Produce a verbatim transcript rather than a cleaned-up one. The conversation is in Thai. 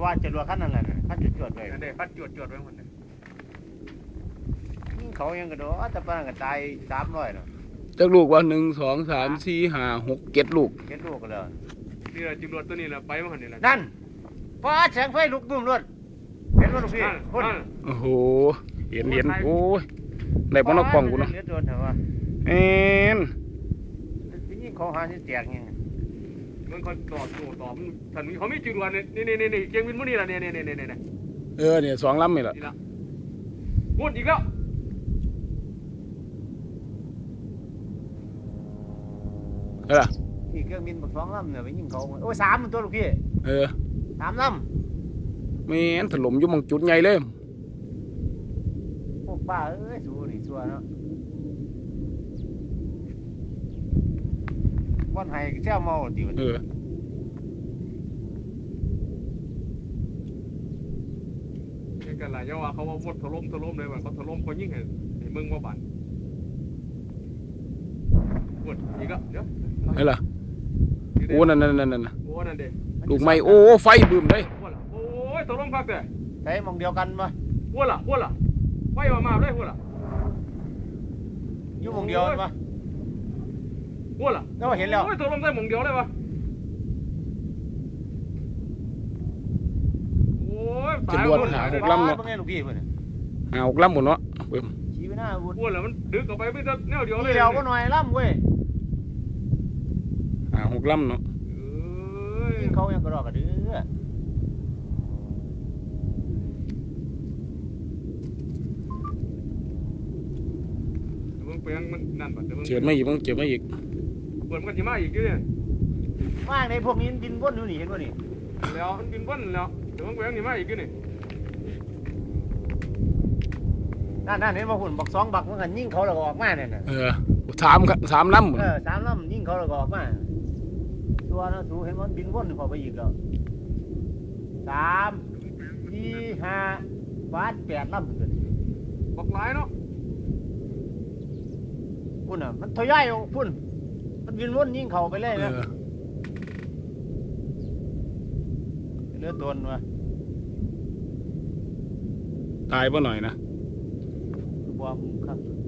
ตัวจรวดขั้นนั่นแหละขั้นจุดจวดเลยนั่นเด้ขั้นจวดจวดไว้หมดเลยเขายังกระโดดแต่ป้าก็ตายสามร้อยเนาะจักลูกว่าหนึ่งสองสามสี่ห้าหกเจ็ดลูกเจ็ดลูกกันเลยนี่แหละจรวดตัวนี้แหละไปมันนี่แหละนั่นฟ้าแสงไฟลุกบึ้มรถเห็นรถพี่คนโอ้โหเห็นเห็นโอ้ยได้ปนกกล่องกูเนาะเลือดโดนเถอะวะเอ็นยิ่งเขาหาที่แตกยังมันคอยตอบโต้ตอบท่านเขาไม่จรวดนี่นี่นี่นี่เกียงวินมุนี่ละเนี่ยเนี่ยเนี่ยเนี่ยเออเนี่ยสองลำนี่แหละนี่ละพูดอีกแล้วเออนี่เครื่องบินบักสองลำเนี่ยไปยิงเขาโอ้ยสามตัวลูกพี่เออสามลแม่นถล่มอยู่หมองจุดใหญ่เลยำพวกป้าเอ้ยสู้นี่ชัวเนาะวันไห้เจ้าเมาติวันเออนี่กันหลายย่อว่าเขาว่าวุดถล่มถล่มเลยว่าเขาถล่มเขายิ่งเห็นเห็นมึงว่าบันวุดอีกแล้วเดี๋ยวนี่ล่ะโอ้นั่นนั่นนั่นนั่นโอ้นั่นเด้ลูกไม้โอ้ไฟบึ้มเลยวัวละโอ้ยถล่มพักเลยใช้มองเดียวกันปะวัวละวัวละไฟมามาเลยวัวละอยู่มองเดียวกันปะวัวละก็เห็นแล้วโอ้ยถล่มได้หมองเดียวเลยวะโอ้ยจรวดหาหกลำเนาะเป็นไงลูกพี่เพื่อนหาหกลำหมดเนาะเบิ่มชี้ไปหน้าวุ้นวัวละมันดึกออกไปไม่ได้แนวเดียวเลยเดียวก็หน่อยล่ำเว้ยหาหกลำเนาะเอ้ยยิงเขายังกระดอกกระเดือมึงเปลี่ยนมันนั่นบัดเดี๋ยวมึงเจ็บไม่อีกมึงเจ็บไม่อีกเปิดมันก็จะมาอีกอยู่เนี่ยว่างในพวกนี้บินวนอยู่นี่เห็นป่ะนี่แล้วมันบินวนแล้วเดี๋ยวมึงเปลี่ยนนี่มาอีกอยู่นี่นั่นนั่นเห็นป่ะหุ่นบอกสองบักมันกันยิงเขาแล้วก็ออกมาเนี่ยนะเออสามสามลำหมดเออสามลำยิงเขาแล้วก็ออกมาตัวนะสูเห็นมันบินวนเข้าไปอีกแล้วสามสี่ห้าบาทแปดลำเลยบอกหลายเนาะพุ่นอ่ะมันทะยายพุ่นมันบินวนยิงเขาไปเลยเอนะอเลือดโดนวะตายป่ะหน่อยนะบวมครับ